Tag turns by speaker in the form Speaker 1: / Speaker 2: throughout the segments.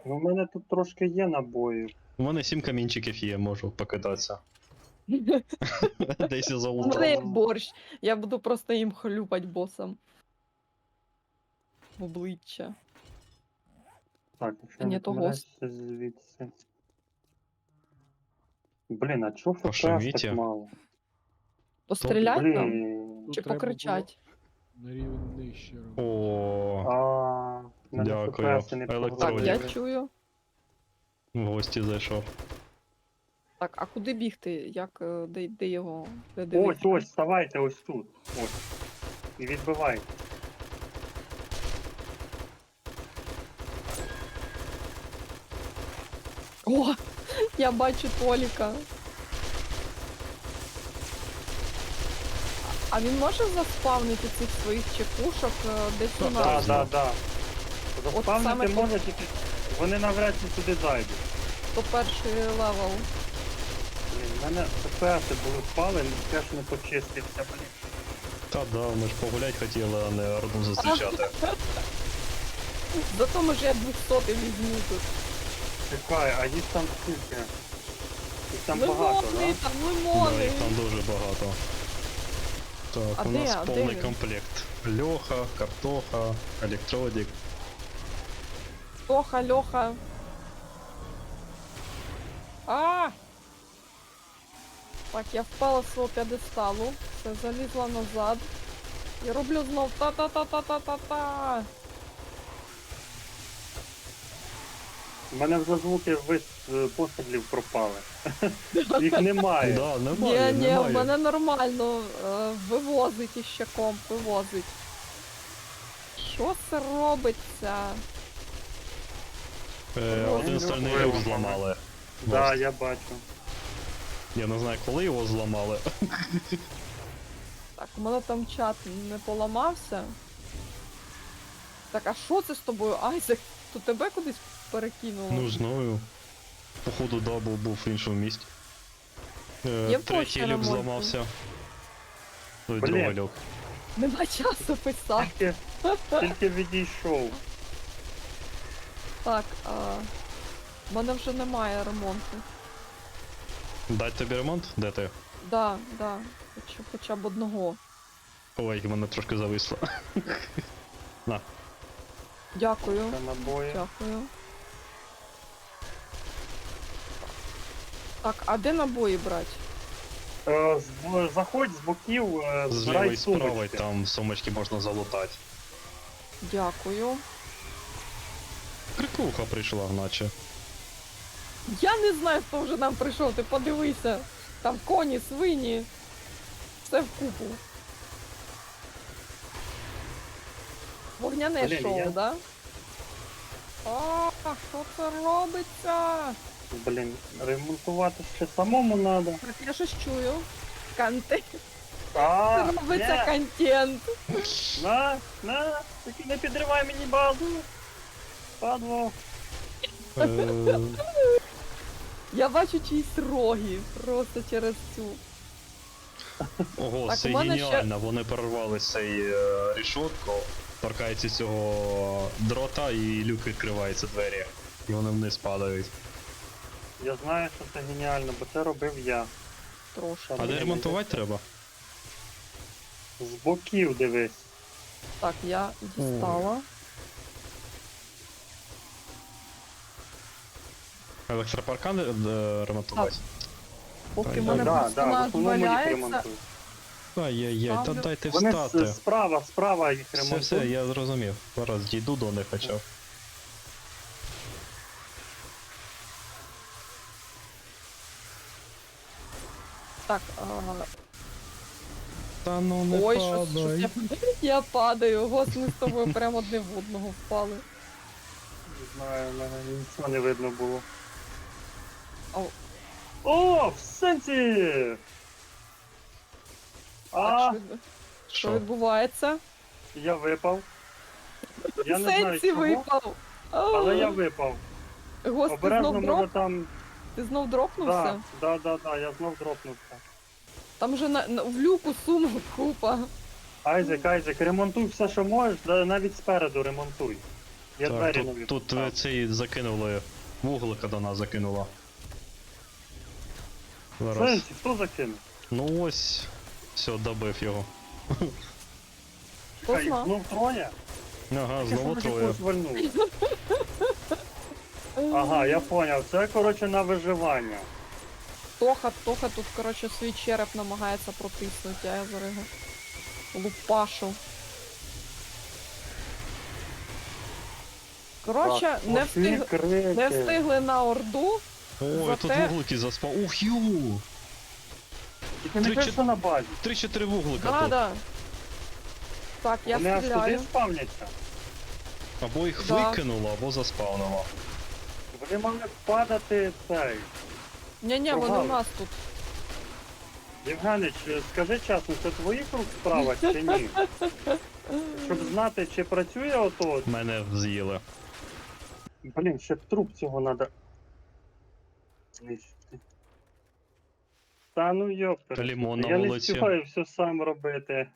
Speaker 1: Ну, в мене тут трошки є набоїв.
Speaker 2: У мене 7 камінчиків є, можу покидатися. Десь я
Speaker 3: У мене
Speaker 2: залутав.
Speaker 3: є борщ. Я буду просто їм хлюпать босом. В обличчя.
Speaker 1: Так, якщо
Speaker 3: Ні,
Speaker 1: не
Speaker 3: то
Speaker 1: помиляюся звідси. Блін, а чого ФПС
Speaker 2: Пошуміть.
Speaker 1: так мало?
Speaker 3: Пострілять нам?
Speaker 1: Блін.
Speaker 3: Чи
Speaker 4: Тут треба
Speaker 3: покричать?
Speaker 4: було на рівень нижче робити.
Speaker 2: О,
Speaker 1: В мене
Speaker 2: Дякую.
Speaker 1: ФПС не
Speaker 3: Так,
Speaker 2: Електронік.
Speaker 3: я
Speaker 1: прогрузили.
Speaker 3: чую.
Speaker 2: в гості зайшов.
Speaker 3: Так, а куди бігти? Як, де його? Де
Speaker 1: Ось,
Speaker 3: дивитися?
Speaker 1: ось, вставайте ось тут. Ось. І відбивайте.
Speaker 3: О! Я бачу Толіка. А він може заспавнити цих своїх чекушок десь у
Speaker 1: Да,
Speaker 3: нас?
Speaker 1: да, да.
Speaker 3: От саме
Speaker 1: Заспавнити
Speaker 3: то-
Speaker 1: може тільки. Вони навряд чи сюди зайдуть.
Speaker 3: То перший левел.
Speaker 1: Блін, в мене ФПС були впали, теж не почистився, блін.
Speaker 2: Та да, ми ж погулять хотіли, а не орду зустрічати.
Speaker 3: Зато може я 200 візьму тут.
Speaker 1: Чекай, а їх там скільки? Їх там багато,
Speaker 3: Лимони,
Speaker 1: да?
Speaker 3: там
Speaker 2: Да,
Speaker 3: лимони.
Speaker 2: їх там дуже багато. Так,
Speaker 3: А
Speaker 2: у
Speaker 3: де-
Speaker 2: нас
Speaker 3: а де
Speaker 2: повний
Speaker 3: він?
Speaker 2: комплект. Льоха, картоха, електродик.
Speaker 3: Льоха, Льоха. А! Так, я впала з свого п'єдесталу. Все, залізла назад. І роблю знов та-та-та-та-та-та-та.
Speaker 1: У мене вже звуки пострілів пропали. Їх немає.
Speaker 2: Да, немає,
Speaker 3: Ні, в
Speaker 2: немає.
Speaker 3: мене нормально. Вивозить іще комп, вивозить. Що це робиться?
Speaker 2: Один стальний
Speaker 1: Виламали.
Speaker 2: люк зламали.
Speaker 1: Да, я бачу.
Speaker 2: Я не знаю, коли його зламали.
Speaker 3: Так, у мене там чат не поламався. Так, а що це з тобою, Айзек? То тебе кудись перекинуло?
Speaker 2: Ну, знаю. Походу, дабл був в іншому місті.
Speaker 3: Є
Speaker 2: Третій
Speaker 3: почта
Speaker 2: люк
Speaker 3: ремонту?
Speaker 2: зламався. Ой,
Speaker 1: Блін.
Speaker 2: другий люк.
Speaker 3: Нема часу писати.
Speaker 1: Тільки відійшов.
Speaker 3: Так, в мене вже немає ремонту.
Speaker 2: Дать тобі ремонт? Де ти?
Speaker 3: Да, хоча б одного.
Speaker 2: Ой, в мене трошки зависло. На.
Speaker 3: Дякую.
Speaker 1: Це набої.
Speaker 3: Дякую. Так, а де набої брати?
Speaker 1: Заходь з боків,
Speaker 2: З
Speaker 1: збирай
Speaker 2: лівої справи
Speaker 1: сумочки.
Speaker 2: там сумочки можна залутати.
Speaker 3: Дякую.
Speaker 2: Крикуха прийшла, наче.
Speaker 3: Я не знаю, хто вже нам прийшов, ти подивися. Там коні, свині. Все вкупу. Вогняне
Speaker 1: Блін,
Speaker 3: шоу,
Speaker 1: я-
Speaker 3: да? А, що це робиться?
Speaker 1: Блін, ремонтувати ще самому треба.
Speaker 3: Так, я щось чую. Контент.
Speaker 1: А,
Speaker 3: Робиться контент.
Speaker 1: на, тільки не підривай мені базу. Падло.
Speaker 2: Е,
Speaker 3: Я бачу чиїсь роги просто через цю.
Speaker 2: Ого,
Speaker 3: Так,
Speaker 2: це
Speaker 3: у мене ще-
Speaker 2: геніально. Вони прорвали цей рішотку, торкаються цього дрота і люк відкривається двері. І вони вниз падають.
Speaker 1: Я знаю, що це геніально, бо це робив я.
Speaker 3: Трошки.
Speaker 2: А де ремонтувати треба?
Speaker 1: З боків дивись.
Speaker 3: Так, я дістала.
Speaker 2: Електропаркан ремонтувати?
Speaker 3: Поки
Speaker 2: Так,
Speaker 3: в мене
Speaker 1: Да, да, в
Speaker 3: персонаж
Speaker 1: основному їх
Speaker 3: валяється.
Speaker 1: ремонтують.
Speaker 2: Ай-яй-яй, та
Speaker 3: Ставлю.
Speaker 2: дайте
Speaker 1: Вони
Speaker 2: встати.
Speaker 1: справа їх
Speaker 2: Все,
Speaker 1: ремонтують.
Speaker 2: все, я зрозумів. Зараз дійду до них хоча б.
Speaker 3: Так,
Speaker 2: Та ну не
Speaker 3: ой, щось
Speaker 2: падай.
Speaker 3: я падаю. Гос, ми з тобою прямо одне в одного впали.
Speaker 1: Не знаю, в мене нічого не видно було.
Speaker 3: Ау.
Speaker 1: О, в сенсі! А,
Speaker 3: Так, що
Speaker 2: Що?
Speaker 3: відбувається?
Speaker 1: я випав. Я не знаю
Speaker 3: Сенсі
Speaker 1: чого,
Speaker 3: випав.
Speaker 1: але я випав.
Speaker 3: Гос, ти
Speaker 1: Обережно
Speaker 3: знов
Speaker 1: може
Speaker 3: дроп?
Speaker 1: там...
Speaker 3: Ти знов дропнувся?
Speaker 1: Да, я знов дропнувся.
Speaker 3: Там же в люку сумок купа.
Speaker 1: Айзек, ремонтуй все, що можеш, навіть спереду ремонтуй. Я
Speaker 2: Так,
Speaker 1: двері не
Speaker 2: тут ви цей закинули. Вуглика до нас закинуло. Зараз.
Speaker 1: Сенсі, хто закинув?
Speaker 2: Ну ось. Все, добив його.
Speaker 1: Чекай,
Speaker 3: знав?
Speaker 1: знов троє?
Speaker 2: Ага, знову
Speaker 1: Я
Speaker 2: троє.
Speaker 1: когось вальнув. Ага, я поняв. Це, коротше, на виживання.
Speaker 3: Тоха тут, коротше, свій череп намагається протиснути, а я зараз його лупашу. Коротше,
Speaker 1: Так,
Speaker 3: не
Speaker 1: оці крики.
Speaker 3: не встигли на орду.
Speaker 2: Ой, тут
Speaker 3: Зате-
Speaker 2: вуглики заспав. Ух, ю!
Speaker 1: Тільки не
Speaker 2: Три
Speaker 1: кажи, що на базі.
Speaker 2: 3-4 вуглика
Speaker 3: Да,
Speaker 2: тут.
Speaker 3: да. Так, я
Speaker 1: Вони аж туди
Speaker 3: стріляю.
Speaker 1: спавняться.
Speaker 2: Або їх
Speaker 3: Да.
Speaker 2: викинуло, або заспавнило.
Speaker 1: Вони мали падати цей.
Speaker 3: Ні-ні, вони
Speaker 1: Прогали.
Speaker 3: у нас тут.
Speaker 1: Євгенич, скажи чесно, це твоїх рук справа чи ні? Щоб знати, чи працює ото.
Speaker 2: Мене з'їли.
Speaker 1: Блін, ще б труп цього надо. знищити. Та ну йоптер.
Speaker 2: Лімон на
Speaker 1: Я не
Speaker 2: вулиці.
Speaker 1: встигаю все сам робити.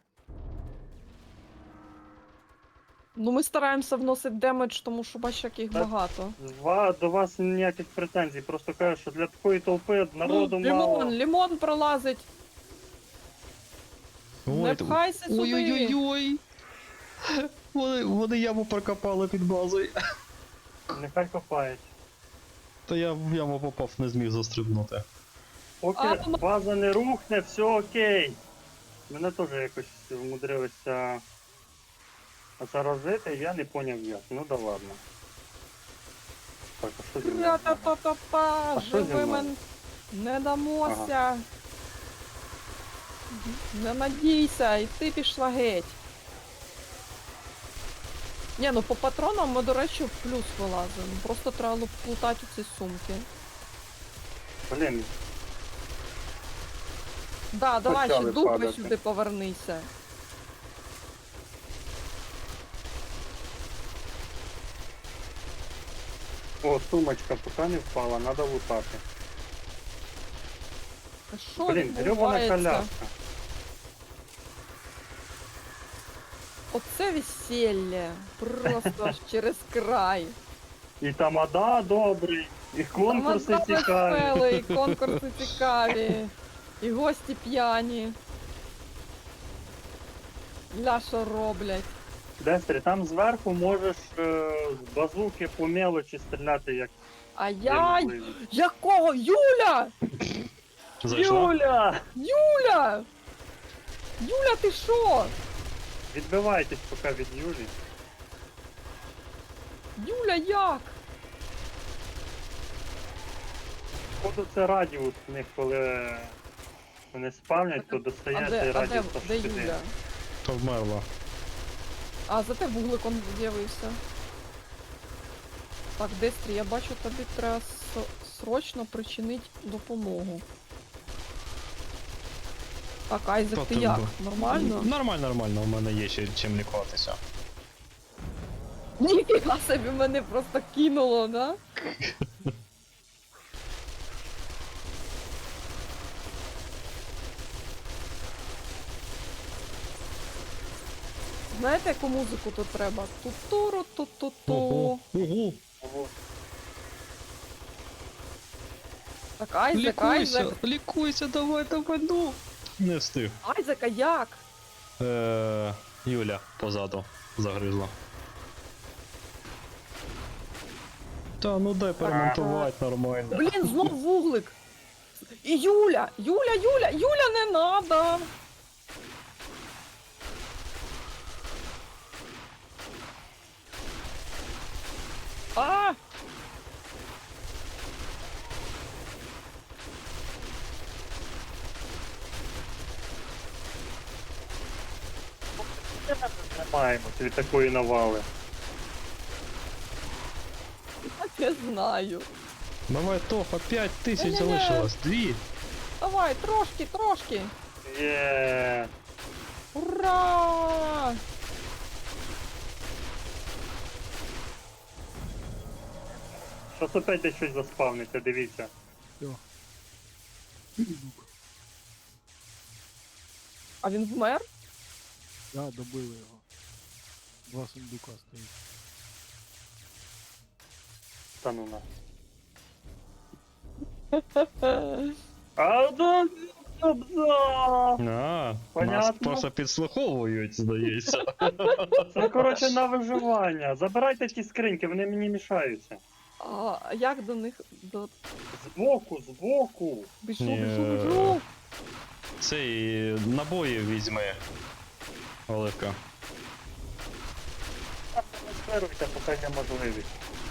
Speaker 3: Ну ми стараємося вносити демедж, тому що бачиш, як їх
Speaker 1: Так.
Speaker 3: багато.
Speaker 1: До вас ніяких претензій, просто кажу, що для такої толпи народу
Speaker 3: Ну,
Speaker 1: мало.
Speaker 3: лімон пролазить. Не
Speaker 2: ти-
Speaker 3: пхайся сюди.
Speaker 2: Ой-ой-ой-ой! Вони яму прокопали під базою.
Speaker 1: Нехай копають.
Speaker 2: Та я в яму попав, не зміг застрибнути.
Speaker 1: Поки
Speaker 3: А, ну-
Speaker 1: база не рухне, все окей. Мене теж якось вмудрилися заразити, я не поняв як. Ну да ладно. Так, а що зі мною?
Speaker 3: Ра-та-та-та-та,
Speaker 1: А що зі мною?
Speaker 3: живими не дамося. Не надійся, і ти пішла геть. Ні, ну по патронам ми, до речі, в плюс вилазимо. Просто треба плутати ці сумки.
Speaker 1: Блін,
Speaker 3: Да, давай ще
Speaker 1: Почали
Speaker 3: дупи
Speaker 1: падати.
Speaker 3: сюди повернися.
Speaker 1: о, сумочка поки не впала, треба лутати.
Speaker 3: А що
Speaker 1: Блін, гребана
Speaker 3: відбувається?
Speaker 1: коляска.
Speaker 3: Оце весілля. Просто аж через край.
Speaker 1: І тамада добрий, і конкурси
Speaker 3: Тамада
Speaker 1: цікаві.
Speaker 3: веселий, і конкурси цікаві, і гості п'яні. Ля що роблять.
Speaker 1: Дестрі, там зверху можеш з базуки по мелочі стріляти, як
Speaker 3: А
Speaker 1: є
Speaker 3: я...
Speaker 1: можливість.
Speaker 3: Якого? Юля!
Speaker 2: Зайшла?
Speaker 1: Юля!
Speaker 3: Юля! Юля, ти що?
Speaker 1: Відбивайтесь поки від Юлі.
Speaker 3: Юля, як?
Speaker 1: Походу це радіус в них, коли вони спавнять, то достає
Speaker 3: А
Speaker 1: цей
Speaker 3: де,
Speaker 1: радіус аж
Speaker 3: де
Speaker 1: сюди.
Speaker 3: Юля?
Speaker 2: То вмерла.
Speaker 3: А, зате вуглик он з'явився. Так, Дестрі, я бачу, тобі треба срочно причинити допомогу. Так, Айзек,
Speaker 2: Хто
Speaker 3: ти
Speaker 2: там
Speaker 3: як?
Speaker 2: був?
Speaker 3: Нормально?
Speaker 2: Нормально, нормально, у мене є ще чим лікуватися.
Speaker 3: Ніфіга собі мене просто кинуло, да? Знаєте, яку музику тут треба? Ту-туру, ту-ту-ту.
Speaker 2: Ого.
Speaker 1: Ого.
Speaker 3: Так, Айзек, Айзек.
Speaker 2: Лікуйся, давай, ну. Не встиг.
Speaker 3: Айзека як?
Speaker 2: Юля позаду загризла. Та ну дай перемонтувати нормально.
Speaker 3: Блін, знов вуглик. І Юля! Юля, не надо! А!
Speaker 1: Тримаємося від такої навали.
Speaker 3: Не знаю.
Speaker 2: Давай, Тоха, 5000
Speaker 3: Ні-ні-ні.
Speaker 2: залишилось. 2.
Speaker 3: Давай, трошки.
Speaker 1: Є.
Speaker 3: Ура!
Speaker 1: Щас опять десь щось заспавниться, дивіться.
Speaker 4: Все. Сундук.
Speaker 3: А він вмер?
Speaker 4: Да, добили його. Два сундука стоїть.
Speaker 1: Та ну на. А, да,
Speaker 2: А,
Speaker 1: Понятно.
Speaker 2: нас просто підслуховують, здається.
Speaker 1: Це, коротше, на виживання. Забирайте ті скриньки, вони мені мішаються.
Speaker 3: А як до них до.
Speaker 1: Збоку, збоку.
Speaker 3: Біжу,
Speaker 2: Ні.
Speaker 3: біжу, біжу.
Speaker 2: Цей набої візьми. Оливка.
Speaker 1: Не сперуйте, поки є можливість.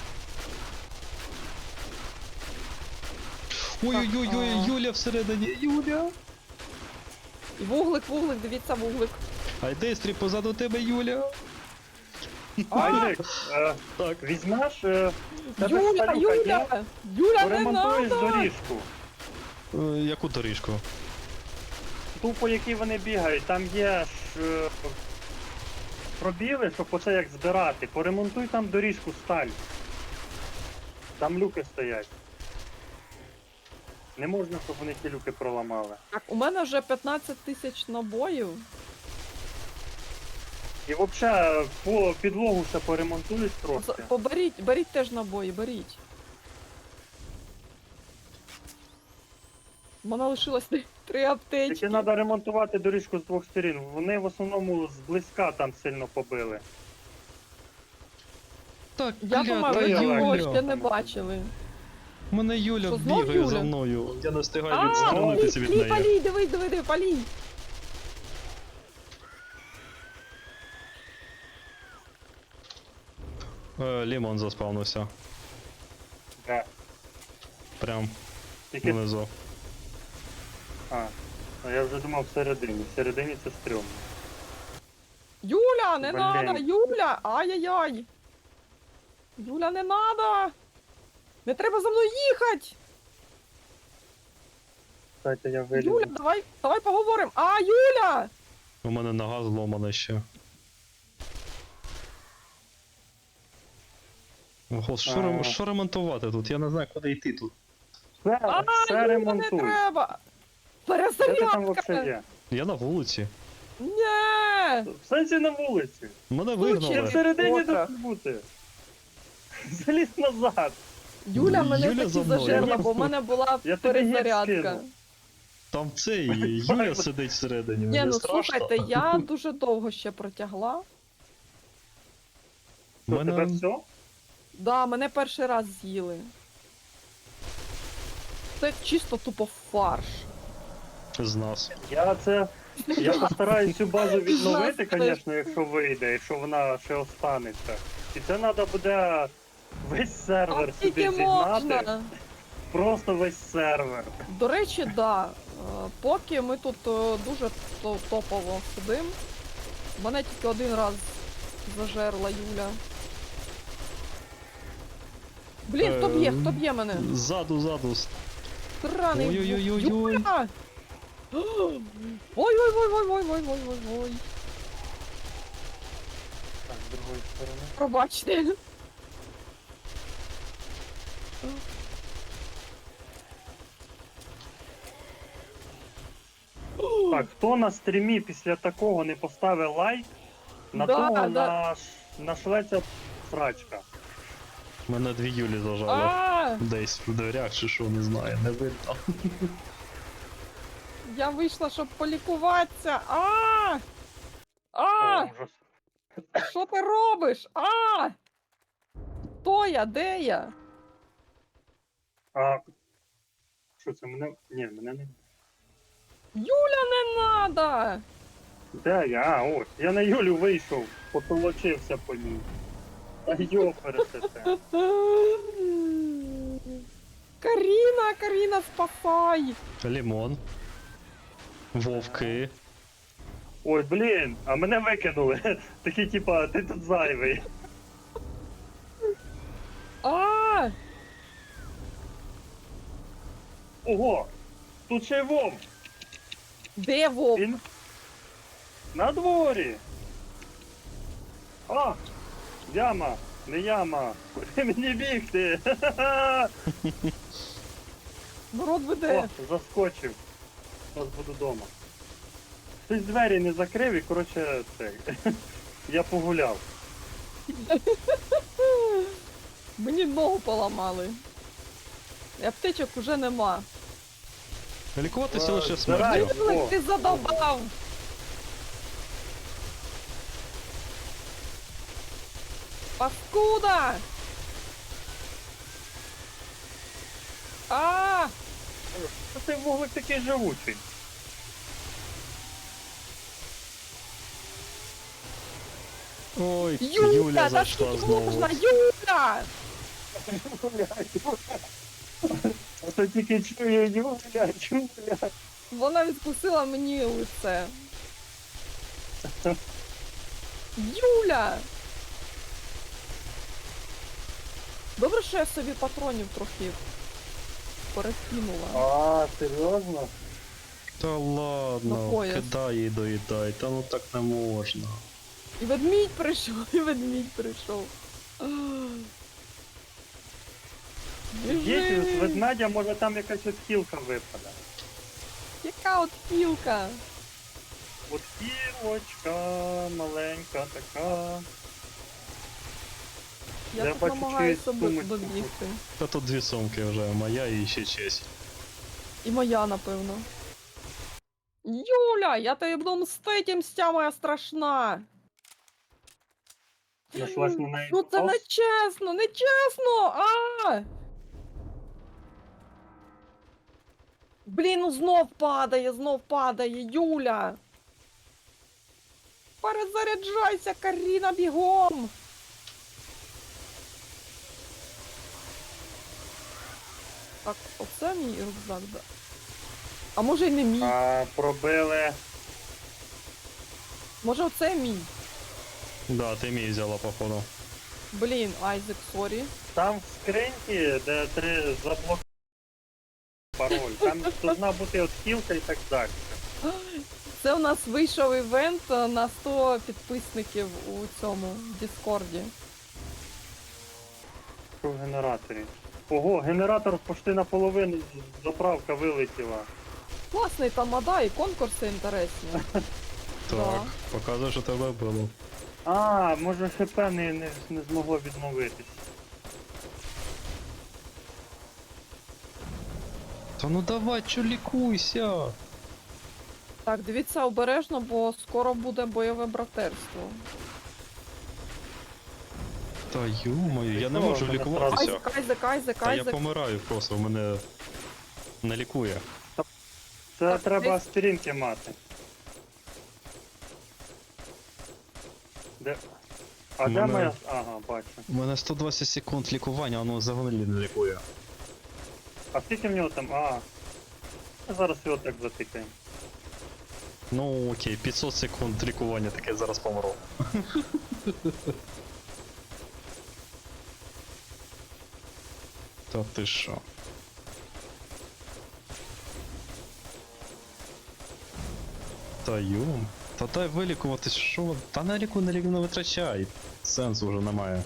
Speaker 2: Ой-ой-ой, Юля всередині, Юля!
Speaker 3: І вуглик, вуглик, дивіться, вуглик.
Speaker 2: Айдестрі позаду тебе, Юля!
Speaker 1: Айзек,
Speaker 2: Так.
Speaker 1: візьмеш, тебе
Speaker 3: Юля,
Speaker 1: старюка є?
Speaker 3: Юля! Юля, не
Speaker 1: Поремонтуєш
Speaker 3: надо!
Speaker 1: доріжку.
Speaker 2: Яку доріжку?
Speaker 1: Ту, по якій вони бігають, там є ж пробіли, щоб оце як збирати. Поремонтуй там доріжку сталь. Там люки стоять. Не можна, щоб вони ті люки проламали.
Speaker 3: Так, у мене вже 15 тисяч набоїв.
Speaker 1: І взагалі по підлогу ще поремонтують трохи.
Speaker 3: Поберіть, беріть теж набої, беріть. У мене лишилось 3 аптечки.
Speaker 1: Тільки треба ремонтувати доріжку з двох сторін. Вони в основному зблизька там сильно побили.
Speaker 2: Так,
Speaker 3: Я думаю, ви
Speaker 1: Юля.
Speaker 3: нікого
Speaker 1: Юля.
Speaker 3: ще не бачили.
Speaker 2: Мене Юля
Speaker 3: Що, знов
Speaker 2: бігає
Speaker 3: Юля?
Speaker 2: за мною. Я не встигаю
Speaker 3: А,
Speaker 2: відструнутися від неї.
Speaker 3: палій, диви, палій.
Speaker 2: Лімон заспавнився.
Speaker 1: Да.
Speaker 2: Прям
Speaker 1: Тільки...
Speaker 2: внизу.
Speaker 1: А я вже думав всередині. Всередині це стрьомно.
Speaker 3: Юля, не
Speaker 1: Блін.
Speaker 3: надо, Юля! Ай-яй-яй! Юля, не надо! Не треба за мною їхати!
Speaker 1: Дайте я вилізу.
Speaker 3: Юля, давай поговоримо! А, Юля!
Speaker 2: У мене нога зломана ще. Ого,
Speaker 1: А.
Speaker 2: що ремонтувати тут? Я не знаю, куди йти тут.
Speaker 1: Все,
Speaker 3: А,
Speaker 1: все
Speaker 3: Юля, не
Speaker 1: ремонтуй.
Speaker 3: треба!
Speaker 1: Де ти там
Speaker 3: Перезарядка!
Speaker 1: взагалі є?
Speaker 2: Я на вулиці.
Speaker 3: Ні!
Speaker 1: В сенсі на вулиці.
Speaker 2: Мене
Speaker 1: Ти
Speaker 2: вигнали.
Speaker 1: всередині
Speaker 3: Котра.
Speaker 1: тут бути. Залізь назад.
Speaker 3: Юля мене
Speaker 2: Юля
Speaker 3: таки
Speaker 2: за мною.
Speaker 3: зажерла, бо в мене була
Speaker 1: Я тобі гід
Speaker 3: перезарядка.
Speaker 1: скину.
Speaker 2: Там цей Юля сидить всередині.
Speaker 3: Ні,
Speaker 2: Мені
Speaker 3: ну
Speaker 2: страшно.
Speaker 3: слухайте, я дуже довго ще протягла.
Speaker 1: Що, тебе все?
Speaker 3: Да, мене перший раз з'їли. Це чисто тупо фарш.
Speaker 2: З нас.
Speaker 1: Я постараюсь цю базу відновити,
Speaker 3: Нас теж.
Speaker 1: звісно, якщо вийде, якщо вона ще останеться. І це треба буде весь сервер
Speaker 3: А
Speaker 1: сюди
Speaker 3: тільки
Speaker 1: зігнати.
Speaker 3: можна.
Speaker 1: Просто весь сервер.
Speaker 3: До речі, да. Поки ми тут дуже топово сидим. Мене тільки один раз зажерла Юля. Блін, хто б'є мене?
Speaker 2: Ззаду.
Speaker 3: Сраний
Speaker 2: Ой-ой-ой-ой-ой.
Speaker 3: Юля! Ой-ой-ой-ой-ой-ой-ой-ой-ой.
Speaker 1: Так, з другої сторони.
Speaker 3: Пробачте.
Speaker 1: Так, хто на стрімі після такого не поставив лайк, на
Speaker 3: Да,
Speaker 1: того
Speaker 3: да.
Speaker 1: нашлеться срачка.
Speaker 2: Мене 2 Юлі зажали.
Speaker 3: А,
Speaker 2: Десь в дверях чи що, не знаю, не видно.
Speaker 3: я вийшла, щоб полікуватися.
Speaker 1: О, ужас.
Speaker 3: Що ти робиш? Хто я? Де я?
Speaker 1: А що це мене? Ні, мене не.
Speaker 3: Юля, не надо!
Speaker 1: Де я? А, ось. Я на Юлю вийшов, потолочився по ній. Та йопересете.
Speaker 3: Каріна, спасай!
Speaker 2: Лімон. Вовки.
Speaker 1: Ой, блін, а мене викинули. Такі, типа, ти тут зайвий.
Speaker 3: А!
Speaker 1: Ого! Тут ще й вовк.
Speaker 3: Де вовк?
Speaker 1: Він на дворі. А! Яма, не яма. Куди мені бігти?
Speaker 3: Народ веде.
Speaker 1: О, заскочив. Зараз буду вдома. Хтось двері не закрив і, коротше, це. Я погуляв.
Speaker 3: Мені ногу поламали. І аптечок уже нема.
Speaker 2: Лікуватися лише
Speaker 1: Збираю.
Speaker 2: смертю.
Speaker 1: О,
Speaker 3: Юлик, ти задовбав! Паскуда! А!
Speaker 1: Що цей вуглик такий живучий?
Speaker 2: Ой,
Speaker 3: Юля,
Speaker 2: Юля
Speaker 3: та
Speaker 2: зайшла
Speaker 3: скільки
Speaker 2: знову.
Speaker 3: можна, Юля!
Speaker 1: А то тільки чую, Юля, Юля.
Speaker 3: Вона відкусила мені лице. Юля! Добре, що я собі патронів трохи перекинула.
Speaker 1: А, серйозно?
Speaker 2: Та ладно,
Speaker 3: На пояс.
Speaker 2: кидай і доїдай, та ну так не можна.
Speaker 3: І ведмідь прийшов, і ведмідь прийшов.
Speaker 1: Діти, з
Speaker 3: Біжи!
Speaker 1: ведмедя, може там якась от хілка випаде.
Speaker 3: Яка от кілка?
Speaker 1: От хілочка маленька така.
Speaker 3: Я
Speaker 1: Я
Speaker 3: тут
Speaker 1: бачу,
Speaker 3: намагаюся
Speaker 1: чиюсь сумочку.
Speaker 3: добігти.
Speaker 2: Та тут дві сумки вже, моя і ще честь.
Speaker 3: І моя, напевно. Юля, я тобі буду мстити, мстя моя страшна.
Speaker 1: Нашлась на неї.
Speaker 3: Ну це
Speaker 1: ос.
Speaker 3: не чесно, не чесно! А! Блін, ну знов падає, Юля! Перезаряджайся, Каріна, бігом! Так, оце мій рюкзак, да. А може й не мій?
Speaker 1: А, пробили.
Speaker 3: Може оце мій?
Speaker 2: Да, ти мій взяла, походу.
Speaker 3: Блін, Айзек, сорі.
Speaker 1: Там в скриньці, де 3 заблок пароль. Там должна бути от хілка і так далі.
Speaker 3: Це у нас вийшов івент на 100 підписників у цьому Діскорді.
Speaker 1: Що в генераторі? Ого, генератор почти наполовину заправка вилетіла.
Speaker 3: Класний там мода і конкурси інтересні.
Speaker 2: Так,
Speaker 3: Да.
Speaker 2: показує, що тебе було.
Speaker 1: А, може ХП не змогло відновитись.
Speaker 2: Та ну давай, чо лікуйся!
Speaker 3: Так, дивіться обережно, бо скоро буде бойове братерство.
Speaker 2: Та ю-мою, я не
Speaker 1: Що,
Speaker 2: можу
Speaker 1: мене
Speaker 2: лікуватися.
Speaker 3: Айзек, Айзек, Айзек,
Speaker 2: Та я
Speaker 3: Айзек.
Speaker 2: помираю просто, мене не лікує.
Speaker 1: Це
Speaker 3: Так,
Speaker 1: треба
Speaker 3: десь-
Speaker 1: аспіринки мати. Де? А де
Speaker 2: Мене-
Speaker 1: моя. Ага, бачу.
Speaker 2: У мене 120 секунд лікування, воно взагалі не лікує.
Speaker 1: А скільки в нього там? А. Зараз його так затикаємо.
Speaker 2: Ну окей, 500 секунд лікування, таке зараз помру. Та ти що? Та юм. Та дай вилікуватись, що? Та на ліку не витрачай. Сенсу вже немає.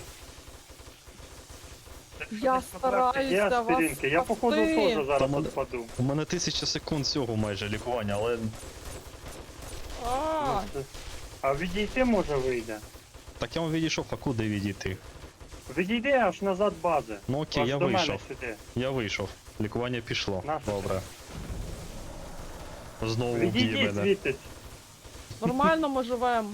Speaker 3: Я стараюсь
Speaker 1: Є
Speaker 3: до вас
Speaker 1: аспіринки. Я походу
Speaker 3: спасти.
Speaker 1: теж зараз
Speaker 2: Та мене-
Speaker 1: відпаду.
Speaker 2: У мене 1000 секунд цього майже лікування, але
Speaker 3: А,
Speaker 1: А відійти може вийде.
Speaker 2: так я вам відійшов, а куди відійти?
Speaker 1: Відійди аж назад бази.
Speaker 2: Ну окей,
Speaker 1: Аж
Speaker 2: я
Speaker 1: до мене
Speaker 2: вийшов.
Speaker 1: сюди.
Speaker 2: Я вийшов. Лікування пішло.
Speaker 1: Нащо
Speaker 2: Добре. Знову вб'є
Speaker 1: Відійди
Speaker 2: мене.
Speaker 1: звідти.
Speaker 3: нормально ми живемо.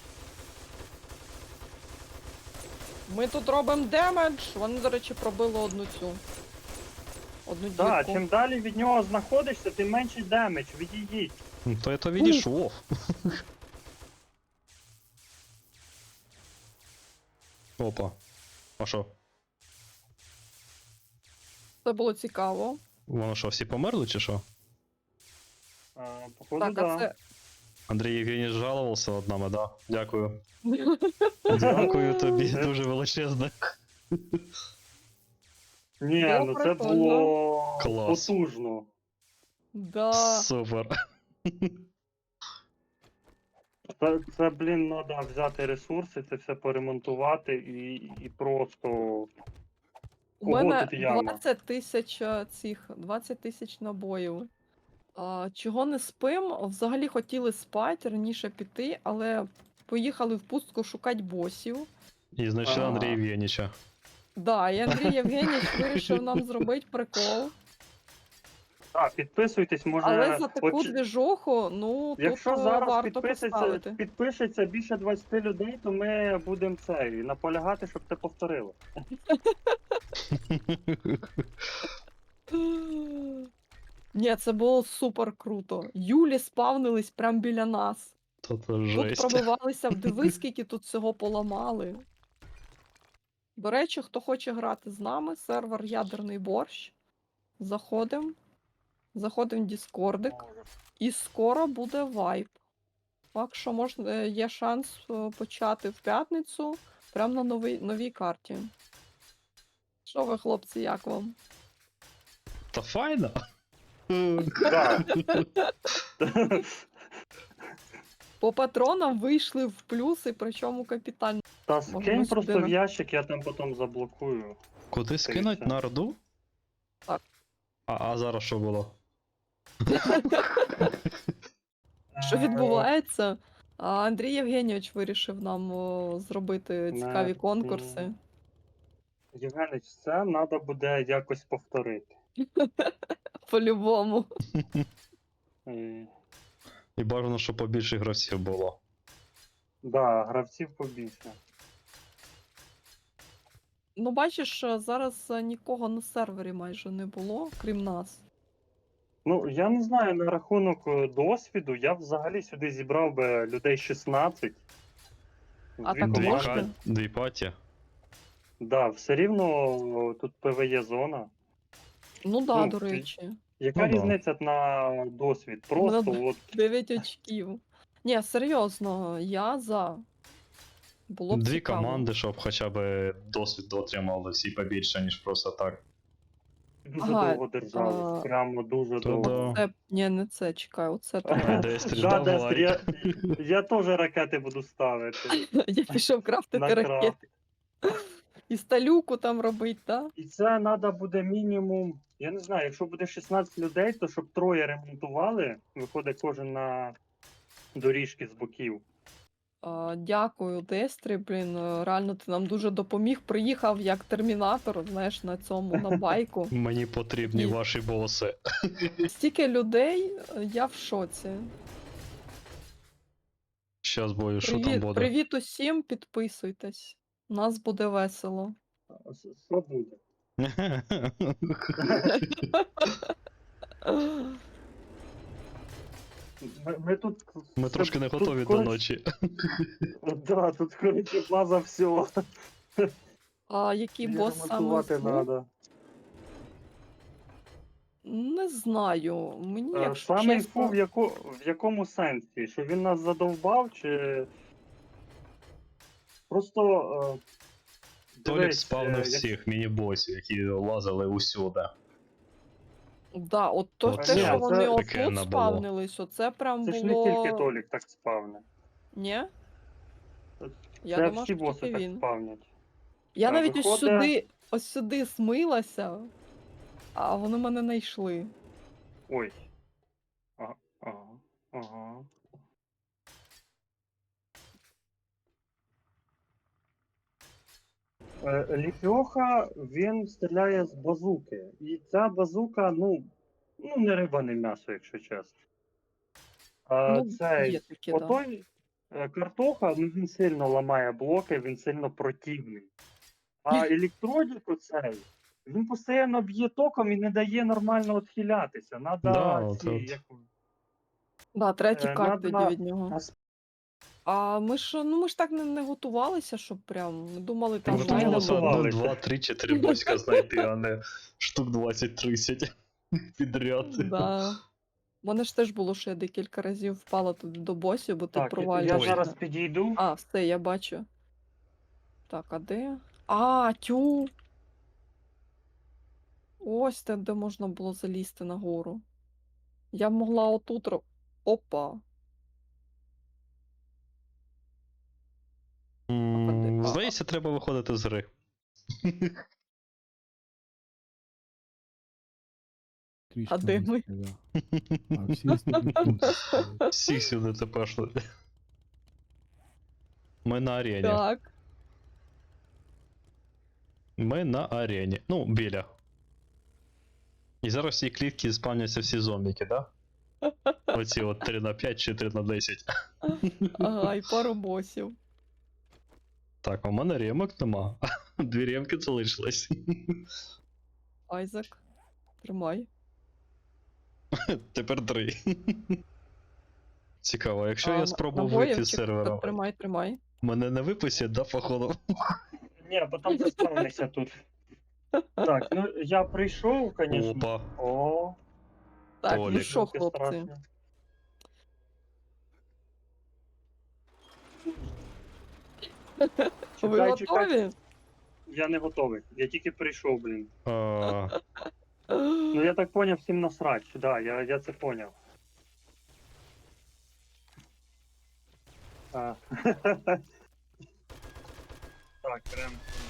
Speaker 3: Ми тут робимо демедж. Вони, до речі, пробили одну цю. Одну дірку.
Speaker 1: Так, чим далі від нього знаходишся, тим менший демедж. Відійдіть.
Speaker 2: То я то відійшов. Опа. А що?
Speaker 3: Це було цікаво.
Speaker 2: Воно що, всі померли чи що?
Speaker 1: Походу,
Speaker 3: Так,
Speaker 1: да.
Speaker 3: а це.
Speaker 2: Андрій Євгенійович жалувався над нами, да? Дякую. Дякую тобі, дуже величезне.
Speaker 1: Ні,
Speaker 3: Було
Speaker 1: ну це
Speaker 3: прикольно.
Speaker 1: було
Speaker 2: Клас.
Speaker 1: потужно.
Speaker 3: Да.
Speaker 2: Супер.
Speaker 1: Це, блін, треба взяти ресурси, це все поремонтувати і просто.
Speaker 3: У
Speaker 1: Ого,
Speaker 3: мене
Speaker 1: тут яма.
Speaker 3: 20 тисяч цих, 20 тисяч набоїв. Чого не спим? Взагалі хотіли спати, раніше піти, але поїхали в пустку шукати босів.
Speaker 2: І знайшли
Speaker 1: А.
Speaker 2: Андрія Євгенійовича.
Speaker 3: Да, і Андрій Євгенійович вирішив нам зробити прикол.
Speaker 1: Так, підписуйтесь, може.
Speaker 3: Але за таку
Speaker 1: от,
Speaker 3: двіжуху, ну, тут
Speaker 1: якщо зараз
Speaker 3: варто поставити.
Speaker 1: підпишеться більше 20 людей, то ми будемо наполягати, щоб це повторило.
Speaker 3: Ні, це було супер круто. Юлі спавнились прямо біля нас.
Speaker 2: Тут
Speaker 3: Тут
Speaker 2: жесть.
Speaker 3: пробивалися, диви, скільки тут всього поламали. До речі, хто хоче грати з нами, сервер Ядерний борщ. Заходимо. Заходимо в Діскордик. І скоро буде вайп. Так що можна, є шанс почати в п'ятницю прямо на новій карті. Що ви, хлопці, як вам?
Speaker 2: Та файно.
Speaker 1: Так.
Speaker 3: По патронам вийшли в плюси, причому капітально.
Speaker 1: Та
Speaker 3: Можемо
Speaker 1: скинь
Speaker 3: сюди
Speaker 1: просто
Speaker 3: на-
Speaker 1: в ящик, я там потім заблокую.
Speaker 2: Куди скинуть? На Орду?
Speaker 3: Так.
Speaker 2: А зараз що було?
Speaker 3: Що відбувається? Андрій Євгенійович вирішив нам зробити цікаві конкурси.
Speaker 1: Євгенич, це треба буде якось повторити.
Speaker 3: По-любому.
Speaker 1: Е,
Speaker 2: І бажано, щоб побільше гравців було.
Speaker 1: Да, гравців побільше.
Speaker 3: Ну, бачиш, зараз нікого на сервері майже не було, крім нас.
Speaker 1: Ну, я не знаю на рахунок досвіду, я взагалі сюди зібрав би людей 16.
Speaker 3: А
Speaker 1: Дві
Speaker 3: так
Speaker 1: команди.
Speaker 3: можна?
Speaker 2: Дві паті.
Speaker 1: Да, все рівно тут ПВЕ зона.
Speaker 3: Ну да,
Speaker 1: Ну,
Speaker 3: до речі.
Speaker 1: Яка
Speaker 2: Ну да.
Speaker 1: різниця на досвід? Просто
Speaker 3: Ну,
Speaker 1: от
Speaker 3: 9 очків. Ні, серйозно, я за. Було б
Speaker 2: Дві
Speaker 3: цікаво.
Speaker 2: команди, щоб хоча б досвід отримали всі побільше, ніж просто так.
Speaker 1: дуже
Speaker 3: Ага,
Speaker 1: довго держались. Прямо дуже
Speaker 2: То
Speaker 1: довго.
Speaker 2: да.
Speaker 3: Ні, не це, чекай, оце треба.
Speaker 2: Дестрі,
Speaker 1: Да, Дестер,
Speaker 2: давай.
Speaker 1: я теж ракети буду ставити.
Speaker 3: Я пішов крафтити
Speaker 1: На
Speaker 3: ракети.
Speaker 1: крафт.
Speaker 3: І сталюку там робить, так?
Speaker 1: І це треба буде мінімум. Я не знаю, якщо буде 16 людей, то щоб троє ремонтували, виходить кожен на доріжки з боків.
Speaker 3: Дякую, Дестрі, блін, реально ти нам дуже допоміг. Приїхав як термінатор, знаєш, на цьому, на байку.
Speaker 2: Мені потрібні
Speaker 3: І-
Speaker 2: ваші боси.
Speaker 3: Стільки людей, я в шоці.
Speaker 2: Щас бою, що там
Speaker 3: Привіт,
Speaker 2: буде.
Speaker 3: привіт усім, підписуйтесь. У нас буде весело.
Speaker 1: Що буде? Ми тут.
Speaker 2: Ми трошки не
Speaker 1: тут,
Speaker 2: готові до
Speaker 1: коротше,
Speaker 2: ночі.
Speaker 1: Да, тут коротше база всього.
Speaker 3: А який
Speaker 1: Її
Speaker 3: бос саме?
Speaker 1: ремонтувати
Speaker 3: був?
Speaker 1: надо.
Speaker 3: Не знаю. Мені, якщо
Speaker 1: Саме
Speaker 3: чесно...
Speaker 1: в якому сенсі? Що він нас задовбав, чи. Просто.
Speaker 2: Толік
Speaker 1: дивись,
Speaker 2: спав на
Speaker 1: як-
Speaker 2: всіх міні-босів, які лазили усюди.
Speaker 3: Да, от то,
Speaker 2: Оце
Speaker 3: те, що вони
Speaker 2: таке
Speaker 3: отут
Speaker 2: не було.
Speaker 3: спавнились, оце прям
Speaker 1: Це ж не
Speaker 3: було...
Speaker 1: тільки Толік так спавне.
Speaker 3: Ні? Я
Speaker 1: Це
Speaker 3: думаю,
Speaker 1: всі
Speaker 3: що
Speaker 1: боси
Speaker 3: тільки
Speaker 1: так
Speaker 3: він.
Speaker 1: спавнять.
Speaker 3: Я
Speaker 1: А,
Speaker 3: навіть
Speaker 1: виходить-
Speaker 3: ось сюди смилася, а вони мене не йшли.
Speaker 1: Ой. Ага. Ага. Ліфьоха, він стріляє з базуки. І ця базука, ну не риба, не м'ясо, якщо чесно.
Speaker 3: Ну,
Speaker 1: Цей
Speaker 3: є таке, да.
Speaker 1: отой картоха, ну він сильно ламає блоки, він сильно противний. А електродік оцей, він постійно б'є током і не дає нормально відхилятися. Надо
Speaker 2: Да,
Speaker 1: ці,
Speaker 2: от.
Speaker 1: як...
Speaker 3: Да, треба тікати
Speaker 1: надо
Speaker 3: тоді від нього.
Speaker 1: нас-
Speaker 3: А ми ж так не готувалися, щоб прям. Ми думали, там
Speaker 1: Ми
Speaker 2: Можна
Speaker 1: не
Speaker 2: було
Speaker 3: знайдемо.
Speaker 1: готували.
Speaker 2: 1, 2, 3, 4 боська знайти, а не штук 20-30 підряд.
Speaker 3: Да. У мене ж теж було, що я декілька разів впала туди до босів, бо ти
Speaker 1: Так, я
Speaker 3: провалюєшся.
Speaker 1: зараз підійду.
Speaker 3: А, все, я бачу. Так, а де? А, тю. Ось те, де можна було залізти нагору. Я могла отут. Опа.
Speaker 2: Здається, треба виходити з гри.
Speaker 4: Трішки
Speaker 3: А де ми?
Speaker 4: низько, да. А всі остальні тут стоять.
Speaker 2: Всіх сюди тепер. Ми на арені.
Speaker 3: Так.
Speaker 2: Ми на арені. Ну, біля. І зараз в цій клітці спавняться всі зомбіки, да? Оці от 3 на 5 чи 3 на 10.
Speaker 3: Ага, і пару босів.
Speaker 2: Так, а у мене ремок нема. Дві ремки залишились.
Speaker 3: Айзек. Тримай.
Speaker 2: Тепер 3. Цікаво, якщо я спробую
Speaker 3: набоїв
Speaker 2: вийти з
Speaker 3: чи-
Speaker 2: сервера,
Speaker 3: Тримай, тримай.
Speaker 2: мене не випустять, да, походу?
Speaker 1: Ні, бо там заспавнися тут. Так, ну я прийшов, звісно.
Speaker 2: Опа.
Speaker 1: О,
Speaker 3: Так, ну
Speaker 2: Толік.
Speaker 3: що,
Speaker 1: таке
Speaker 3: хлопці?
Speaker 1: страшне.
Speaker 3: Ви
Speaker 1: Чекай,
Speaker 3: готові?
Speaker 1: чекай. Я не готовий. Я тільки прийшов, блін. Ну я так поняв, всім насрать. Да, я це поняв. А. Так, прям